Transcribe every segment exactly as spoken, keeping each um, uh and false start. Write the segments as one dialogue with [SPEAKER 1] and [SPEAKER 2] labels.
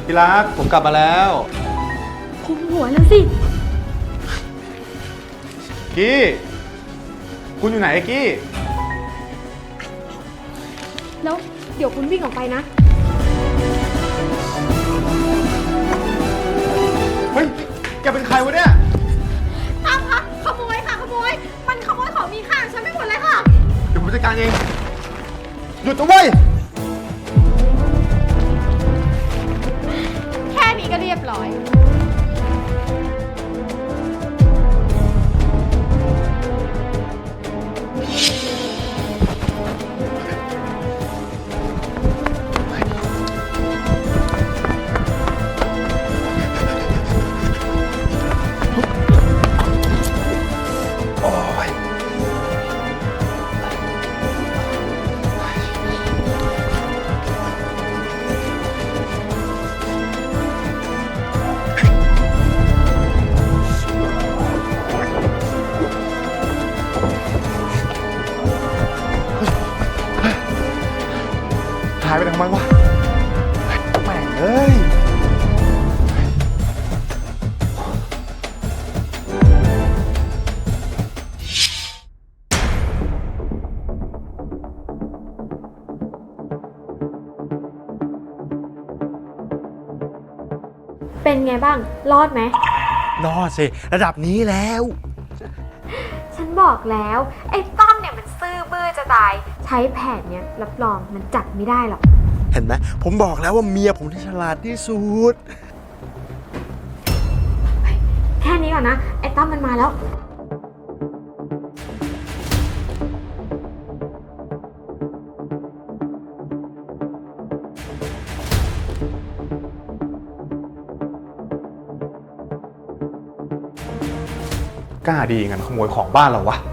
[SPEAKER 1] ที่รักผมกลับมาแล้ว
[SPEAKER 2] คุมหัวแล้วสิ
[SPEAKER 1] กี้คุณอยู่ไหนกี้
[SPEAKER 2] แล้วเดี๋ยวคุณวิ่งออกไปนะ
[SPEAKER 1] เฮ้ยแกเป็นใครวะเนี่ย
[SPEAKER 2] ตามค่ะขโมยค่ะขโมยมันขโมยของมีค่าฉันไม่หมดเลยค่ะ
[SPEAKER 1] เดี๋ยวผมจัดการเองหยุดนะเว้ย
[SPEAKER 2] แค่นี้ก็เรียบร้อย
[SPEAKER 1] หายไปทำไมวะแม่งเอ้ย
[SPEAKER 2] เป็นไงบ้างรอดไหม
[SPEAKER 1] รอดสิระดับนี้แล้ว
[SPEAKER 2] ฉันบอกแล้วไอ้ต้อมเนี่ยมันซื่อบื้อจะตายใช้แผนเนี้ยรับรองมันจับไม่ได้หรอก
[SPEAKER 1] เห็นไหมผมบอกแล้วว่าเมียผมที่ฉลาดที่สุด
[SPEAKER 2] แค่นี้ก่อนนะไอ้ต้อมมันมาแล้ว
[SPEAKER 1] กล้าดีงั้นขโมยของบ้านเราวะ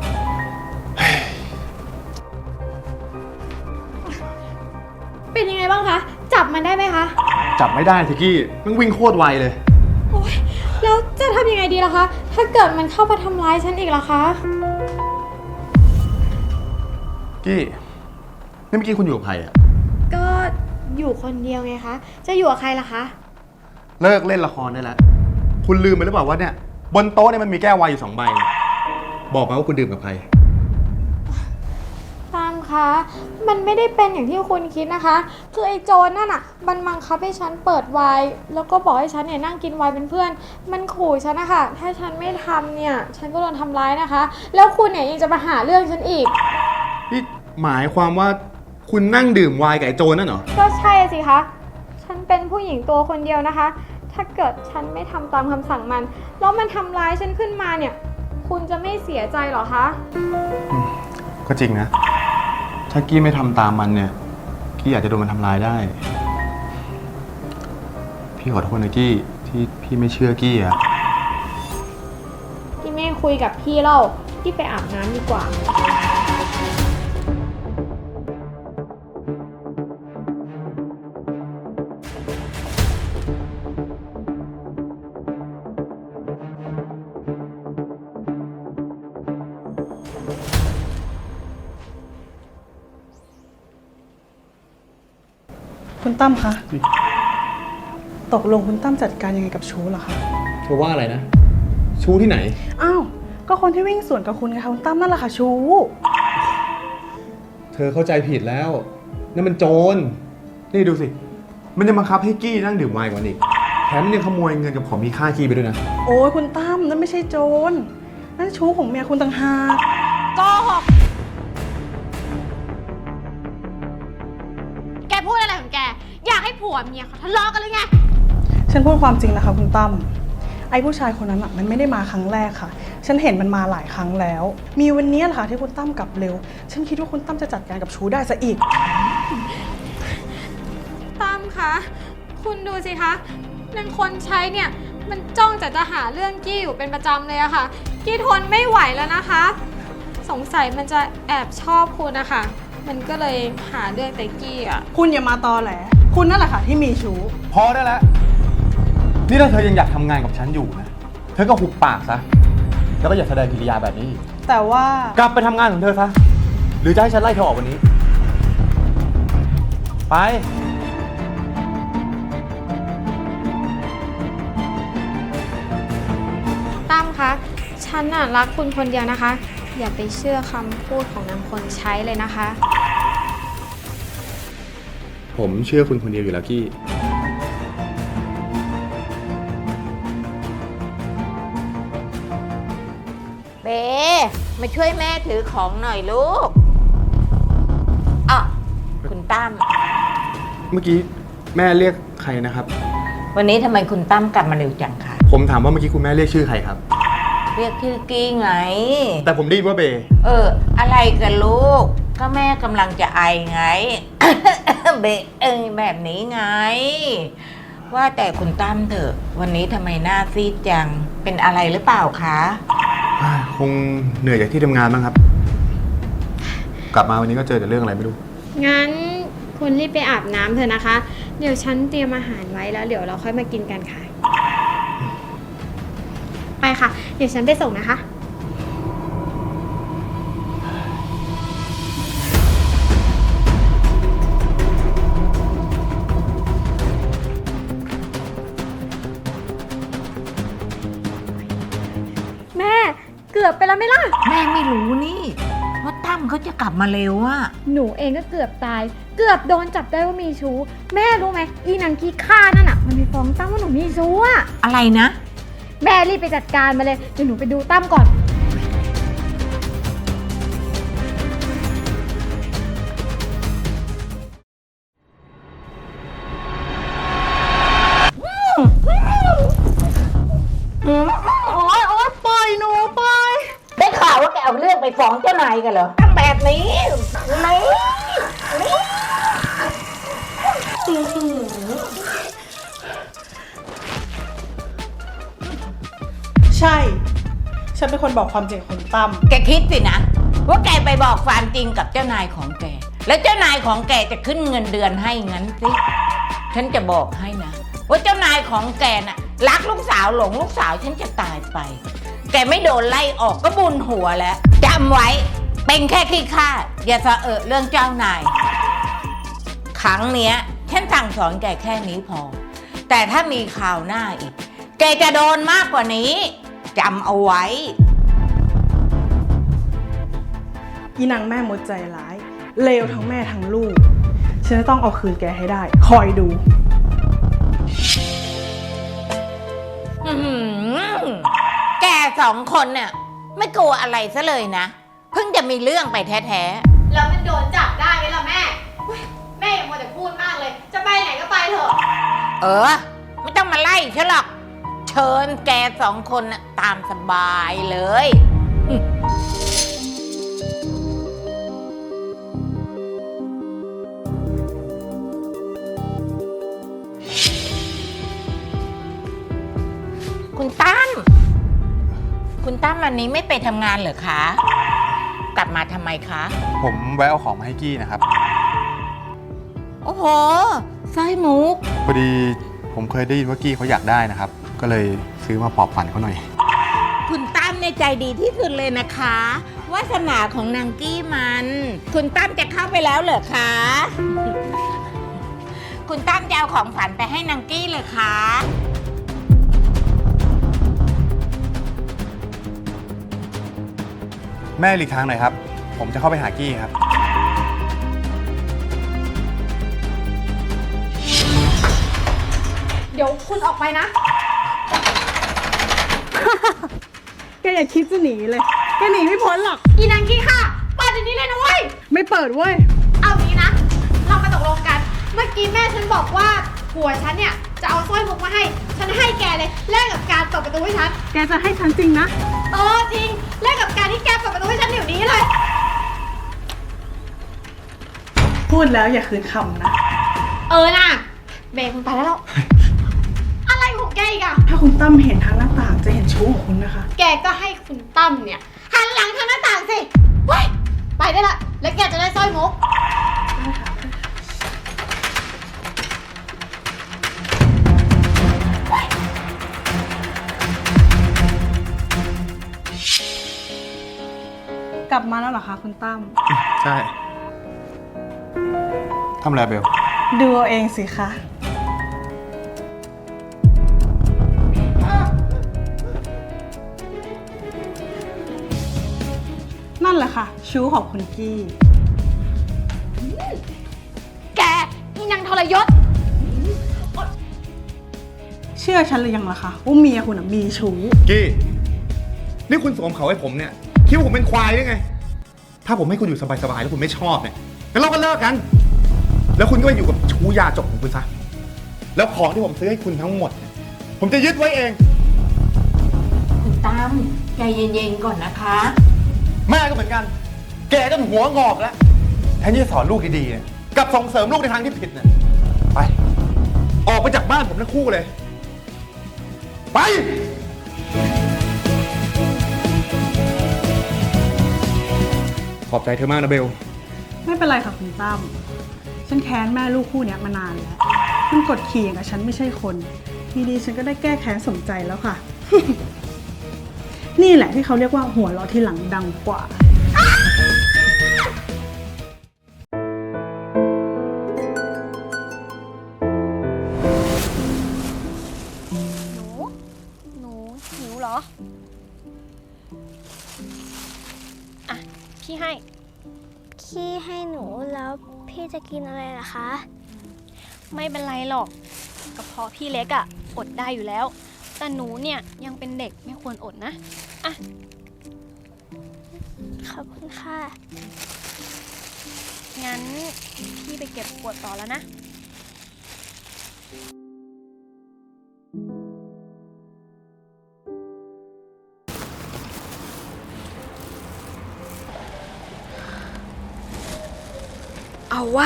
[SPEAKER 2] เป็นยังไงบ้างคะจับมันได้ไหมคะ
[SPEAKER 1] จับไม่ได้ทิกกี้มันวิ่งโคตรไวเลย
[SPEAKER 2] โอ๊ยแล้วจะทำยังไงดีล่ะคะถ้าเกิดมันเข้ามาทำร้ายฉันอีกล่ะคะ
[SPEAKER 1] กี้นี่เมื่อกี้คุณอยู่กับใครอ่ะ
[SPEAKER 2] ก็อยู่คนเดียวไงคะจะอยู่กับใครล่ะคะ
[SPEAKER 1] เลิกเล่นละครได้แล้วคุณลืมไปหรือเปล่าว่าเนี่ยบนโต๊ะเนี่ยมันมีแก้วไวน์อยู่สองใบบอกมาว่าคุณดื่มกับใคร
[SPEAKER 2] ตามคะมันไม่ได้เป็นอย่างที่คุณคิดนะคะคือไอ้โจรนั่นน่ะมันบังคับให้ฉันเปิดไวน์แล้วก็บอกให้ฉันเนี่ยนั่งกินไวน์เป็นเพื่อนมันขู่ฉันนะคะถ้าฉันไม่ทำเนี่ยฉันก็โดนทำร้ายนะคะแล้วคุณเนี่ยยังจะมาหาเรื่องฉันอีก
[SPEAKER 1] นี่หมายความว่าคุณนั่งดื่มไวน์กับไอ้โจรนั่นเหรอ
[SPEAKER 2] ก็ใช่สิคะฉันเป็นผู้หญิงตัวคนเดียวนะคะถ้าเกิดฉันไม่ทำตามคำสั่งมันแล้วมันทำร้ายฉันขึ้นมาเนี่ยคุณจะไม่เสียใจหรอคะ
[SPEAKER 1] ก็จริงนะถ้ากี้ไม่ทำตามมันเนี่ยกี้อาจจะโดนมันทำร้ายได้พี่ขอโทษนะกี้ที่พี่ไม่เชื่อกี้อะ
[SPEAKER 2] กี้ไม่คุยกับพี่เล่ากี้ไปอาบน้ำดีกว่า
[SPEAKER 3] คุณตั้มคะตกลงคุณตั้มจัดการยังไงกับชูเหรอคะ
[SPEAKER 1] เธอว่าอะไรนะชูที่ไหน
[SPEAKER 3] อ้าวก็คนที่วิ่งสวนกับคุณไงคะคุณตั้มนั่นแหละค่ะชู
[SPEAKER 1] เธอเข้าใจผิดแล้วนั่นมันโจรนี่ดูสิมันยังบังคับให้กี้นั่งดื่มไวน์กว่าอีกแถมมันยังขโมยเงินกับของมีค่ากี้ไปด้วยนะ
[SPEAKER 3] โอ้ยคุณตั้มนั่นไม่ใช่โจรนั่นชูของเมียคุณต่างหาก
[SPEAKER 2] โกหกแกพูดอะไรของแกอยากให้ผัวเมียเขาทะเลาะกันหรือไง
[SPEAKER 3] ฉันพูดความจริงนะคะคุณตั้มไอ้ผู้ชายคนนั้นอ่ะมันไม่ได้มาครั้งแรกค่ะฉันเห็นมันมาหลายครั้งแล้วมีวันนี้แหละค่ะที่คุณตั้มกลับเร็วฉันคิดว่าคุณตั้มจะจัดการกับชูได้ซะอีก
[SPEAKER 2] ตั้มคะคุณดูสิคะนางคนใช้เนี่ยมันจ้องจะจะหาเรื่องกี้อยู่เป็นประจำเลยอะค่ะกี้ทนไม่ไหวแล้วนะคะสงสัยมันจะแอบชอบคุณนะคะมันก็เลยหาเรื่องแต่กี้อะ
[SPEAKER 3] คุณอย่ามาตอแหลคุณนั่นแหละค่ะที่มีชู้
[SPEAKER 1] พอได้แล้วนี่ถ้าเธอยังอยากทำงานกับฉันอยู่นะเธอก็หุบปากซะแล้วก็อย่าแสดงกิริยาแบบนี้
[SPEAKER 3] แต่ว่าก
[SPEAKER 1] ลับไปทำงานของเธอซะหรือจะให้ฉันไล่เธอออกวันนี้ไป
[SPEAKER 2] ฉันน่ะรักคุณคนเดียวนะคะ อย่าไปเชื่อคำพูดของนางคนใช้เลยนะคะ
[SPEAKER 1] ผมเชื่อคุณคนเดียวอยู่แล้วกี้
[SPEAKER 4] เบมาช่วยแม่ถือของหน่อยลูกอ่ะคุณตั้ม
[SPEAKER 1] เมื่อกี้แม่เรียกใครนะครับ
[SPEAKER 4] วันนี้ทำไมคุณตั้มกลับมาเร็วจังคะ
[SPEAKER 1] ผมถามว่าเมื่อกี้คุณแม่เรียกชื่อใครครับ
[SPEAKER 4] เรียกชื่อกี้ไง
[SPEAKER 1] แต่ผมได้ยินว่าเบ
[SPEAKER 4] เออ อะไรกันลูก ก็แม่กำลังจะไอไง เบเอยแบบนี้ไง ว่าแต่คุณตั้มเถอะ วันนี้ทำไมหน้าซีดจัง เป็นอะไรหรือเปล่าคะ
[SPEAKER 1] คงเหนื่อยจากที่ทำงานบ้างครับ กลับมาวันนี้ก็เจอแต่เรื่องอะไรไม่รู้
[SPEAKER 2] งั้นคุณรีบไปอาบน้ำเถอะนะคะ เดี๋ยวฉันเตรียมอาหารไว้แล้วเดี๋ยวเราค่อยมากินกันค่ะ ไปค่ะ เดี๋ยวฉันไปส่งนะคะ แม่เกือบไปแล้วไหมล่ะ
[SPEAKER 4] แม่ไม่รู้นี่ ว่าตั้มเขาจะกลับมาเร็วอะ
[SPEAKER 2] หนูเองก็เกือบตาย เกือบโดนจับได้ว่ามีชู้ แม่รู้ไหมอีนางขี้ข้านั่นอ่ะ มันไปฟ้องตั้มว่าหนูมีชู้อ่ะ
[SPEAKER 4] อะไรนะ
[SPEAKER 2] แม่รีบไปจัดการมาเลย เดี๋ยวหนูไปดูตั้มก่อน
[SPEAKER 3] โอ๊ยโอ๊ยปล่อยหนูปล่อย
[SPEAKER 4] ได้ข่าวว่าแกเอาเรื่องไปฟ้องเจ้านายกันเหรอตั้งแบบนี้ไม่ไม่
[SPEAKER 3] ใช่ ฉันเป็นคนบอกความจริงกับคุณตั้ม
[SPEAKER 4] แกคิดสินะ ว่าแกไปบอกความจริงกับเจ้านายของแก แล้วเจ้านายของแกจะขึ้นเงินเดือนให้งั้นสิ ฉันจะบอกให้นะ ว่าเจ้านายของแกน่ะรักลูกสาวหลงลูกสาวฉันจะตายไป แกไม่โดนไล่ออกก็บุญหัวแล้วจำไว้เป็นแค่ขี้ข้าอย่าสะเอะเรื่องเจ้านาย ครั้งเนี้ยฉันสั่งสอนแกแค่นี้พอ แต่ถ้ามีข่าวหน้าอีก แกจะโดนมากกว่านี้จำเอาไว้
[SPEAKER 3] อีนางแม่มดใจร้าย เลวทั้งแม่ทั้งลูก ฉันจะต้องเอาคืนแกให้ได้ คอยดู
[SPEAKER 4] อื้อหือแกสองคนเนี่ยไม่กลัวอะไรซะเลยนะ เพิ่งจะมีเรื่องไปแท้
[SPEAKER 2] แล้วมันโดนจับได้ไหมล่ะแม่เฮ้ยแม่อย่ามัวแต่พูดมากเลย จะไปไหนก็ไปเถอะ
[SPEAKER 4] ๆ เออ ไม่ต้องมาไล่ฉันหรอก เชิญแกสองคนน่ะตามสบายเลย คุณตั้ม คุณตั้มวันนี้ไม่ไปทำงานเหรอคะ กลับมาทำไมคะ
[SPEAKER 1] ผมแวะเอาของมาให้กี้นะครับ
[SPEAKER 4] โอ้โหสร้อยมุก
[SPEAKER 1] พอดีผมเคยได้ยินว่ากี้เขาอยากได้นะครับ ก็เลยซื้อมาปลอบฝันเขาหน่อย
[SPEAKER 4] คุณตั้มในใจดีที่สุดเลยนะคะวาสนาของนางกี้มัน คุณตั้มจะเข้าไปแล้วเหรอคะ คุณตั้มจะเอาของฝันไปให้นางกี้เลยคะ
[SPEAKER 1] แม่หลีกทางหน่อยครับ ผมจะเข้าไปหากี้ครับ
[SPEAKER 2] เดี๋ยวคุณออกไปนะ
[SPEAKER 3] แกอย่าคิดจะหนีเลย แกหนีไม่พ้นหรอก
[SPEAKER 2] อีนางกี้ค่ะเปิดเดี๋ยวนี้เลยนะเว้ย
[SPEAKER 3] ไม่เปิดเว้ย
[SPEAKER 2] เอางี้นะ เรามาตกลงกัน เมื่อกี้แม่ฉันบอกว่าผัวฉันเนี่ยจะเอาสร้อยมุกมาให้ ฉันให้แกเลยแลกกับการเปิดประตูให้ฉัน
[SPEAKER 3] แกจะให้ฉันจริงนะ
[SPEAKER 2] เออจริงแลกกับการที่แกเปิดประตูให้ฉันเดี๋ยวนี้เลย
[SPEAKER 3] พูดแล้วอย่าคืนคำนะ
[SPEAKER 2] เออน่ะเบรกมันไปแล้ว อะไรของแกอีกอะ
[SPEAKER 3] ถ้าคุณตั้มเห็นทางหน้าต่างจะเห็นชู้ของคุณนะคะ
[SPEAKER 2] แกก็ให้คุณตั้มเนี่ยหันหลังทางหน้าต่างสิเว้ยไปได้ละ แล้วแกจะได้สร้อยมุก
[SPEAKER 3] กลับมาแล้วเหรอคะคุณตั้ม
[SPEAKER 1] ใช่ทำอะไรเบล
[SPEAKER 3] ดูเอาเองสิคะละค่ะ ชู้ของคุณกี้
[SPEAKER 2] แกอีนางทรยศ
[SPEAKER 3] เชื่อฉันหรือยังล่ะคะว่าเมียคุณน่ะมีชู้
[SPEAKER 1] กี้นี่คุณสวมเขาให้ผมเนี่ยคิดว่าผมเป็นควายได้ไง ถ้าผมให้คุณอยู่สบายๆแล้วคุณไม่ชอบเนี่ยงั้นเราก็เลิกกัน แล้วคุณก็ไปอยู่กับชู้ยาจกของคุณซะแล้วของที่ผมซื้อให้คุณทั้งหมดเนี่ยผมจะยึดไว้เอง
[SPEAKER 4] คุณตั้มใจเย็นๆก่อนนะคะ
[SPEAKER 1] แม่ก็เหมือนกัน แกจนหัวงอกแล้วแทนที่จะสอนลูกดีๆเนี่ยกลับส่งเสริมลูกในทางที่ผิดเนี่ยไป ออกไปจากบ้านผมทั้งคู่เลย ไป ขอบใจเธอมากนะเบล
[SPEAKER 3] ไม่เป็นไรค่ะคุณตั้ม ฉันแค้นแม่ลูกคู่เนี้ยมานานแล้ว มันกดขี่อย่างกับฉันไม่ใช่คนทีนี้ฉันก็ได้แก้แค้นสมใจแล้วค่ะ นี่แหละที่เขาเรียกว่าหัวเราะที่หลังดังกว่า
[SPEAKER 2] หนู หนูหิวเหรอ อ่ะ พี่ให้
[SPEAKER 5] พี่ให้หนูแล้วพี่จะกินอะไรล่ะคะ
[SPEAKER 6] ไม่เป็นไรหรอกกระเพาะพี่เล็กอะอดได้อยู่แล้ว แต่หนูเนี่ยยังเป็นเด็กไม่ควรอดนะ อ่ะ
[SPEAKER 5] ขอบคุณค่ะ
[SPEAKER 6] งั้นพี่ไปเก็บขวดต่อแล้วนะ
[SPEAKER 2] เอาวะ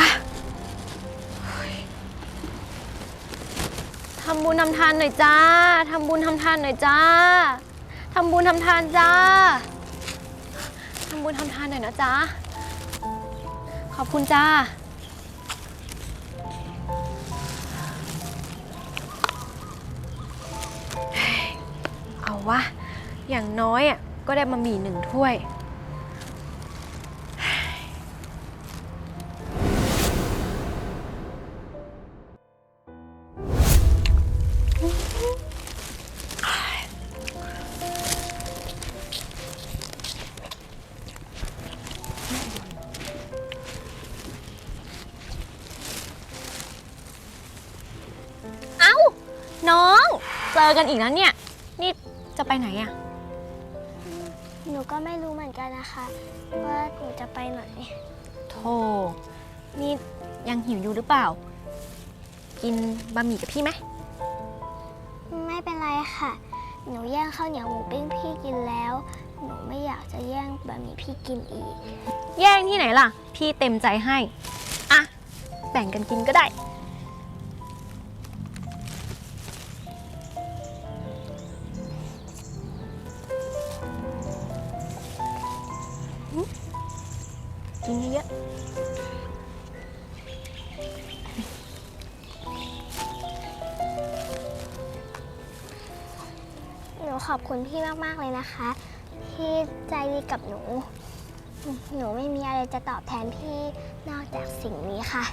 [SPEAKER 6] ทำบุญทำทานหน่อยจ้า ทำบุญทำทานหน่อยจ้า ทำบุญทำทานจ้า ทำบุญทำทานหน่อยนะจ้า ขอบคุณจ้า เอาวะ อย่างน้อยอ่ะก็ได้มาหมี่หนึ่งถ้วย เอ้า น้อง เจอกันอีกแล้วเนี่ย นี่จะไปไหนอะ
[SPEAKER 5] หนูก็ไม่รู้เหมือนกันนะคะ ว่าหนูจะไปไหน
[SPEAKER 6] โธ่นี่ยังหิวอยู่หรือเปล่า กินบะหมี่กับพี่ไหม
[SPEAKER 5] ไม่เป็นไรค่ะ หนูแย่งข้าวเหนียวหมูปิ้งพี่กินแล้ว หนูไม่อยากจะแย่งบะหมี่พี่กินอีก
[SPEAKER 6] แย่งที่ไหนล่ะ พี่เต็มใจให้ อ่ะ แบ่งกันกินก็ได้ กินเยอะ
[SPEAKER 5] หนูขอบคุณพี่มากๆเลยนะคะ ที่ใจดีกับหนู หนูไม่มีอะไรจะตอบแทนพี่นอกจากสิ่งนี้ค่ะ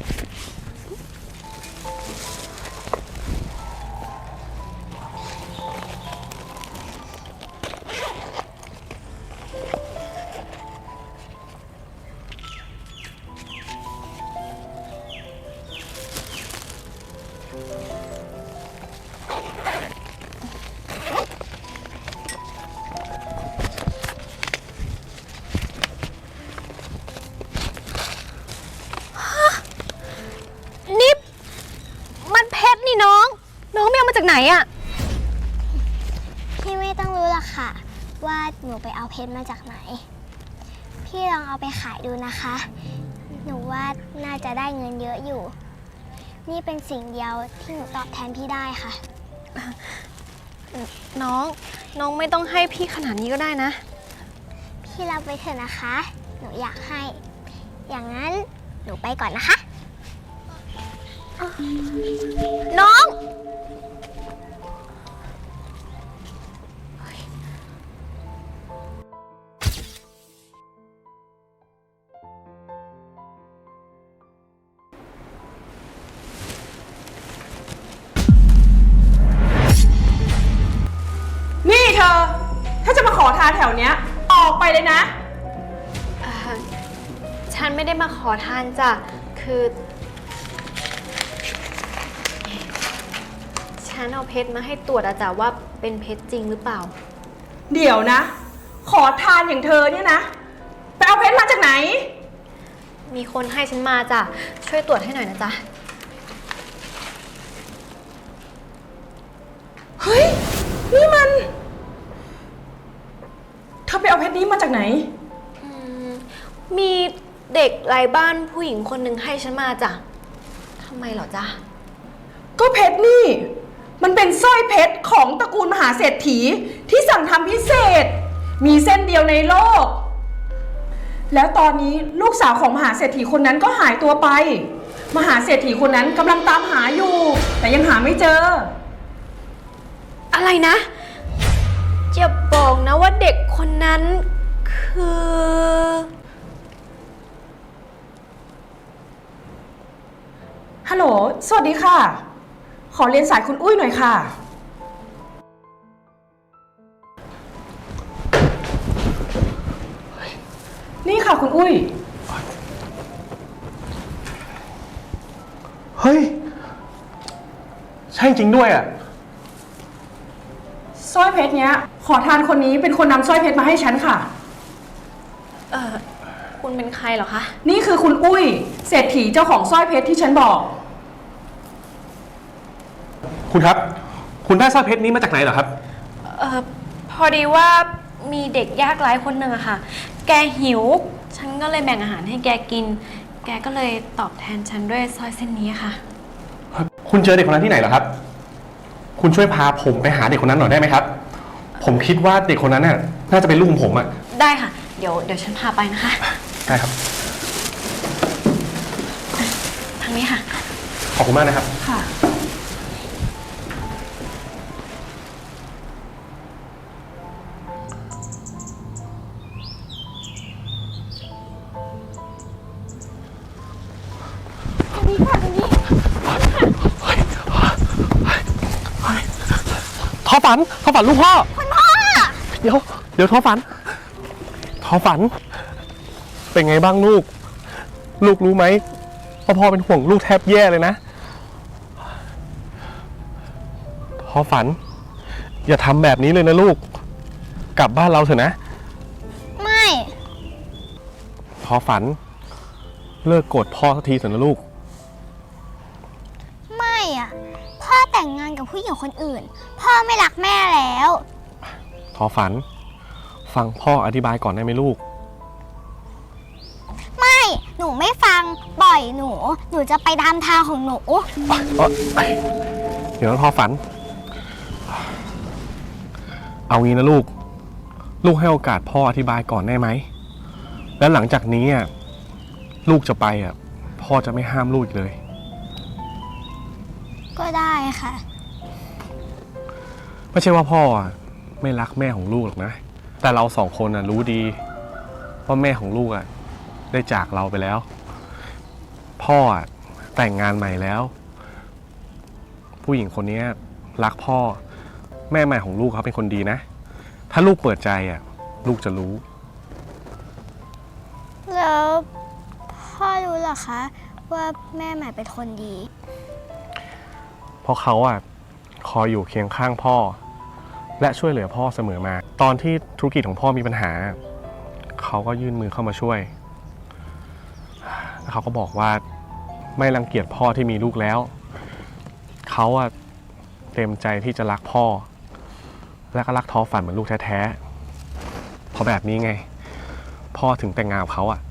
[SPEAKER 6] นี่มันเพชรนี่น้อง น้องไม่เอามาจากไหนอะ
[SPEAKER 5] พี่ไม่ต้องรู้หรอกค่ะ ว่าหนูไปเอาเพชรมาจากไหน พี่ลองเอาไปขายดูนะคะ หนูว่าน่าจะได้เงินเยอะอยู่ นี่เป็นสิ่งเดียวที่หนูตอบแทนพี่ได้ค่ะ
[SPEAKER 6] น้อง น้องไม่ต้องให้พี่ขนาดนี้ก็ได้นะ
[SPEAKER 5] พี่รับไว้เถอะนะคะ หนูอยากให้ อย่างนั้นหนูไปก่อนนะคะ
[SPEAKER 6] น้อง
[SPEAKER 3] นี่เธอ ถ้าจะมาขอทานแถวเนี้ย ออกไปเลยนะ
[SPEAKER 6] ฉันไม่ได้มาขอทานจ้ะ คือ ฉันเอาเพชรมาให้ตรวจอะจ้ะว่าเป็นเพชรจริงหรือเปล่า
[SPEAKER 3] เดี๋ยวนะ ขอทานอย่างเธอเนี่ยนะ ไปเอาเพชรมาจากไหน
[SPEAKER 6] มีคนให้ฉันมาจ้ะ ช่วยตรวจให้หน่อยนะจ๊ะ
[SPEAKER 3] เฮ้ย นี่มัน เธอไปเอาเพชรนี้มาจากไหน
[SPEAKER 6] อืม มีเด็กไร้บ้านผู้หญิงคนหนึ่งให้ฉันมาจ้ะ ทำไมเหรอจ๊ะ
[SPEAKER 3] ก็เพชรนี่ มันเป็นสร้อยเพชรของตระกูลมหาเศรษฐีที่สั่งทำพิเศษ มีเส้นเดียวในโลก แล้วตอนนี้ลูกสาวของมหาเศรษฐีคนนั้นก็หายตัวไป มหาเศรษฐีคนนั้นกำลังตามหาอยู่ แต่ยังหาไม่เจอ
[SPEAKER 6] อะไรนะอย่าบอกนะว่าเด็กคนนั้นคือ
[SPEAKER 3] ฮัลโหล สวัสดีค่ะ ขอเรียนสายคุณอุ้ยหน่อยค่ะ นี่ค่ะคุณอุ้ย
[SPEAKER 7] เฮ้ย ใช่จริงด้วยอ่ะ
[SPEAKER 3] สร้อยเพชรเนี้ย ขอทานคนนี้เป็นคนนำสร้อยเพชรมาให้ฉันค่ะ
[SPEAKER 6] เออคุณเป็นใครเหรอคะ
[SPEAKER 3] นี่คือคุณอุ้ย เศรษฐีเจ้าของสร้อยเพชรที่ฉันบอก
[SPEAKER 7] คุณครับ คุณได้สร้อยเพชรนี้มาจากไหนเหรอครับ
[SPEAKER 6] เออพอดีว่ามีเด็กยากไร้คนหนึ่งอะค่ะ แกหิว ฉันก็เลยแบ่งอาหารให้แกกิน แกก็เลยตอบแทนฉันด้วยสร้อยเส้นนี้ค่ะ
[SPEAKER 7] คุณเจอเด็กคนนั้นที่ไหนเหรอครับ คุณช่วยพาผมไปหาเด็กคนนั้นหน่อยได้ไหมครับ ผมคิดว่าเด็กคนนั้นน่ะน่าจะเป็นลูกของผมอ่ะ
[SPEAKER 6] ได้ค่ะ เดี๋ยวเดี๋ยวฉันพาไปนะคะ
[SPEAKER 7] ได้ครับ
[SPEAKER 6] ทางนี้ค่ะ
[SPEAKER 7] ขอบคุณมากนะครับ
[SPEAKER 3] ค่ะ
[SPEAKER 7] ทอฝันทอฝันลูกพ่อ คุณพ่อ เดี๋ยว เดี๋ยวทอฝัน ทอฝัน เป็นไงบ้างลูก ลูกรู้ไหมว่าพ่อเป็นห่วงลูกแทบแย่เลยนะ ทอฝัน อย่าทำแบบนี้เลยนะลูก กลับบ้านเราเถอะนะ
[SPEAKER 5] ไม่
[SPEAKER 7] ทอฝัน เลิกโกรธพ่อสักทีเถอะนะลูก
[SPEAKER 5] ไม่อะพ่อแต่งงานกับผู้หญิงคนอื่น พ่อไม่รักแม่แล้ว
[SPEAKER 7] ทอฝัน ฟังพ่ออธิบายก่อนได้ไหมลูก
[SPEAKER 5] ไม่ หนูไม่ฟัง ปล่อยหนู หนูจะไปตามทางของหนู
[SPEAKER 7] เดี๋ยวนะทอฝัน เอางี้นะลูก ลูกให้โอกาสพ่ออธิบายก่อนได้ไหม แล้วหลังจากนี้อ่ะลูกจะไปอ่ะพ่อจะไม่ห้ามลูกอีกเลย
[SPEAKER 5] ก็ได้ค่ะ
[SPEAKER 7] ไม่ใช่ว่าพ่ออ่ะไม่รักแม่ของลูกหรอกนะ แต่เราสองคนอ่ะรู้ดีว่าแม่ของลูกอ่ะได้จากเราไปแล้ว พ่ออ่ะแต่งงานใหม่แล้ว ผู้หญิงคนนี้รักพ่อแม่ใหม่ของลูกเขาเป็นคนดีนะ ถ้าลูกเปิดใจอ่ะลูกจะรู้
[SPEAKER 5] แล้วพ่อรู้เหรอคะ ว่าแม่ใหม่เป็นคนดี
[SPEAKER 7] เพราะเขาอ่ะคอยอยู่เคียงข้างพ่อ และช่วยเหลือพ่อเสมอมา ตอนที่ธุรกิจของพ่อมีปัญหา เขาก็ยื่นมือเข้ามาช่วยแล้วเขาก็บอกว่าไม่รังเกียจพ่อที่มีลูกแล้ว เขาอ่ะเต็มใจที่จะรักพ่อ และก็รักทอฝันเหมือนลูกแท้ๆเพราะแบบนี้ไง พ่อถึงแต่งงานกับเขาอ่ะ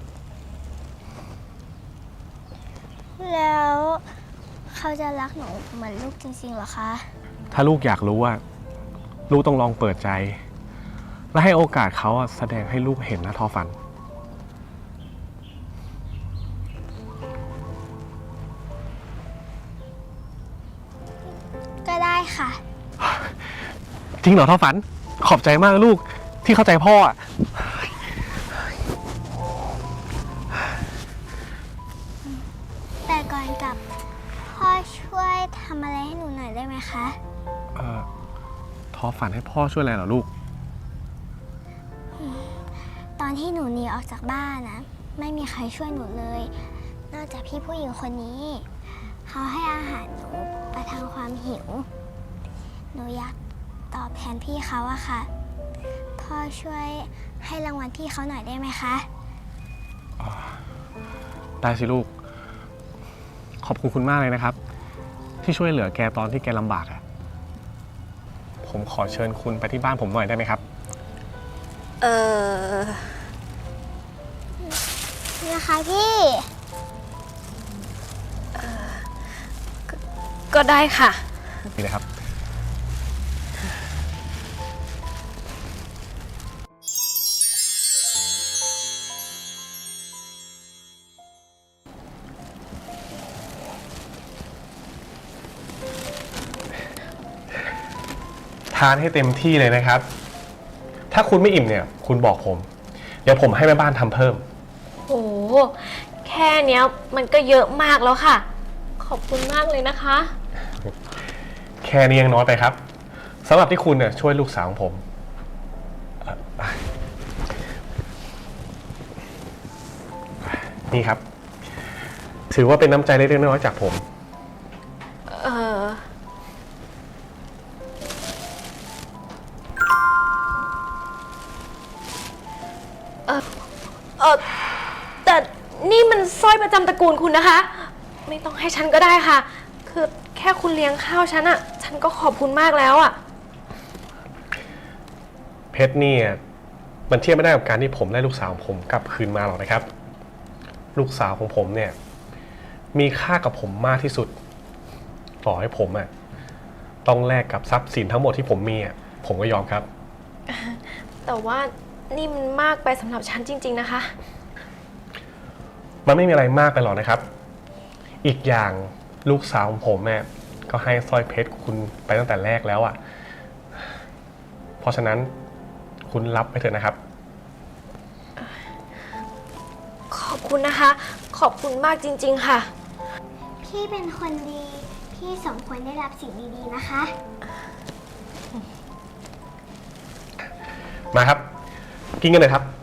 [SPEAKER 5] แล้วเขาจะรักหนูเหมือนลูกจริงๆเหรอคะ
[SPEAKER 7] ถ้าลูกอยากรู้อ่ะลูกต้องลองเปิดใจ และให้โอกาสเขาอะแสดงให้ลูกเห็นนะทอฝัน
[SPEAKER 5] ก็ได้ค่ะ
[SPEAKER 7] จริงเหรอทอฝัน ขอบใจมากนะลูกที่เข้าใจพ่ออะ
[SPEAKER 5] แต่ก่อนกลับ พ่อช่วยทำอะไรให้หนูหน่อยได้ไหมคะ
[SPEAKER 7] เอ่อทอฝันให้พ่อช่วยอะไรเหรอลูก
[SPEAKER 5] ตอนที่หนูหนีออกจากบ้านนะไม่มีใครช่วยหนูเลย นอกจากพี่ผู้หญิงคนนี้ เขาให้อาหารหนูประทังความหิว หนูอยากตอบแทนพี่เขาอะค่ะ พ่อช่วยให้รางวัลพี่เขาหน่อยได้ไหมคะ
[SPEAKER 7] ได้สิลูก ขอบคุณคุณมากเลยนะครับ ที่ช่วยเหลือแกตอนที่แกลำบากอะผมขอเชิญคุณไปที่บ้านผมหน่อยได้ไหมครับ
[SPEAKER 6] เออ
[SPEAKER 5] นะคะพี่
[SPEAKER 6] ก็ได้ค่ะ
[SPEAKER 7] นี่เลยครับ ทานให้เต็มที่เลยนะครับ ถ้าคุณไม่อิ่มเนี่ย คุณบอกผม เดี๋ยวผมให้แม่บ้านทำเพิ่ม
[SPEAKER 6] โห แค่เนี้ยมันก็เยอะมากแล้วค่ะ ขอบคุณมากเลยนะคะ
[SPEAKER 7] แค่นี้ยังน้อยไปครับสำหรับที่คุณเนี่ยช่วยลูกสาวของผมเอ่อนี่ครับ ถือว่าเป็นน้ำใจเล็กๆน้อยๆจากผม
[SPEAKER 6] เออเออเออแต่นี่มันสร้อยประจำตระกูลคุณนะคะ ไม่ต้องให้ฉันก็ได้ค่ะ คือแค่คุณเลี้ยงข้าวฉันอะฉันก็ขอบคุณมากแล้วอะ
[SPEAKER 7] เพชรนี่มันเทียบไม่ได้กับการที่ผมได้ลูกสาวของผมกลับคืนมาหรอกนะครับ ลูกสาวของผมเนี่ยมีค่ากับผมมากที่สุดต่อให้ผมอ่ะต้องแลกกับทรัพย์สินทั้งหมดที่ผมมีอ่ะผมก็ยอมครับ
[SPEAKER 6] แต่ว่านี่มันมากไปสำหรับฉันจริงๆนะคะ
[SPEAKER 7] มันไม่มีอะไรมากไปหรอกนะครับ อีกอย่างลูกสาวของผมเนี่ยก็ให้สร้อยเพชรคุณไปตั้งแต่แรกแล้วอ่ะเพราะฉะนั้นคุณรับไปเถอะนะครับ
[SPEAKER 6] ขอบคุณนะคะ ขอบคุณมากจริงๆค่ะ
[SPEAKER 5] พี่เป็นคนดี พี่สมควรได้รับสิ่งดีๆนะคะ
[SPEAKER 7] มาครับ กินกันเลยครับ